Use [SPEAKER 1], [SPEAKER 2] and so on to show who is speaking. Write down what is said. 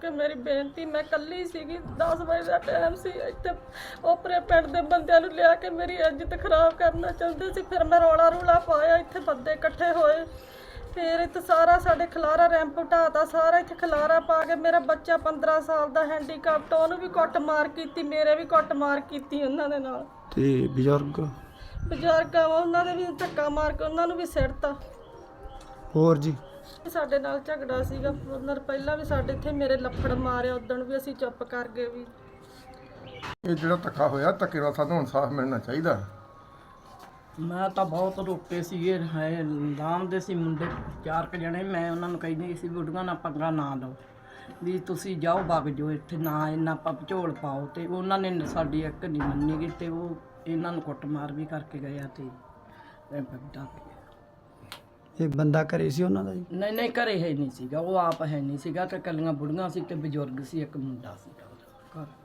[SPEAKER 1] ਕਰਕੇ ਮੇਰੀ ਬੇਨਤੀ, ਮੈਂ ਇਕੱਲੀ ਸੀਗੀ, 10 ਵਜੇ ਦਾ ਟਾਈਮ ਸੀ। ਇੱਥੇ ਓਪਰੇ ਪਿੰਡ ਦੇ ਬੰਦਿਆਂ ਨੂੰ ਲਿਆ ਕੇ ਮੇਰੀ ਇੱਜ਼ਤ ਖਰਾਬ ਕਰਨਾ ਚਾਹੁੰਦੇ ਸੀ। ਫਿਰ ਮੈਂ ਰੌਲਾ ਰੂਲਾ ਪਾਇਆ, ਇੱਥੇ ਬੰਦੇ ਇਕੱਠੇ ਹੋਏ, ਫਿਰ ਇੱਥੇ ਸਾਰਾ ਸਾਡੇ ਖਲਾਰਾ ਰੈਂਪ ਢਾਤਾ, ਸਾਰਾ ਇੱਥੇ ਖਲਾਰਾ ਪਾ ਕੇ ਮੇਰਾ ਬੱਚਾ 15 ਸਾਲ ਦਾ ਹੈਂਡੀਕੈਪਟ, ਉਹਨੂੰ ਵੀ ਕੁੱਟ ਮਾਰ ਕੀਤੀ, ਮੇਰੇ ਵੀ ਕੁੱਟ ਮਾਰ ਕੀਤੀ ਉਹਨਾਂ ਦੇ ਨਾਲ।
[SPEAKER 2] ਤੇ ਬਜ਼ੁਰਗ
[SPEAKER 1] ਉਹਨਾਂ ਦੇ ਵੀ ਧੱਕਾ ਮਾਰ ਕੇ ਉਹਨਾਂ ਨੂੰ ਵੀ ਸਿੱਟਤਾ।
[SPEAKER 2] ਹੋਰ ਜੀ
[SPEAKER 1] ਸਾਡੇ ਨਾਲ ਝਗੜਾ ਸੀਗਾ ਉਹਨਾਂ ਨੇ ਪਹਿਲਾਂ ਵੀ ਸਾਡੇ ਇੱਥੇ ਮੇਰੇ ਲੱਫੜ ਮਾਰਿਆ, ਉਦਣ ਵੀ ਅਸੀਂ ਚੁੱਪ ਕਰ ਗਏ ਵੀ।
[SPEAKER 3] ਇਹ ਜਿਹੜਾ ਧੱਕਾ ਹੋਇਆ, ਧੱਕੇ ਨਾਲ ਸਾਨੂੰ ਇਨਸਾਫ ਮਿਲਣਾ ਚਾਹੀਦਾ।
[SPEAKER 4] ਮੈਂ ਤਾਂ ਬਹੁਤ ਰੋਕੇ ਸੀਗੇ, ਹੈ ਲਾਮ ਦੇ ਸੀ ਮੁੰਡੇ 4 ਕੁ ਜਣੇ। ਮੈਂ ਉਹਨਾਂ ਨੂੰ ਕਹਿੰਦੀ ਸੀ ਬੁੱਢੀਆਂ ਨਾਲ ਪੰਗਾ ਨਾ ਲਓ, ਵੀ ਤੁਸੀਂ ਜਾਓ ਵਗ ਜਾਓ, ਇੱਥੇ ਨਾ ਇੰਨਾ ਝੋਲ ਪਾਓ। ਤੇ ਉਹਨਾਂ ਨੇ ਸਾਡੀ ਇੱਕ ਨਹੀਂ ਮੰਨੀ ਗਈ, ਤੇ ਉਹ ਇਹਨਾਂ ਨੂੰ ਕੁੱਟਮਾਰ ਵੀ ਕਰਕੇ ਗਿਆ। ਤੇ
[SPEAKER 2] ਇਹ ਬੰਦਾ ਘਰੇ ਸੀ ਉਹਨਾਂ ਦਾ ਜੀ?
[SPEAKER 4] ਨਹੀਂ ਘਰੇ ਹੈ ਨਹੀਂ ਸੀਗਾ, ਉਹ ਆਪ ਹੈ ਨਹੀਂ ਸੀਗਾ, ਤੇ ਕੱਲੀਆਂ ਬੁੜੀਆਂ ਸੀ ਤੇ ਬਜ਼ੁਰਗ ਸੀ, ਇੱਕ ਮੁੰਡਾ ਸੀਗਾ ਉਹਦਾ ਘਰ।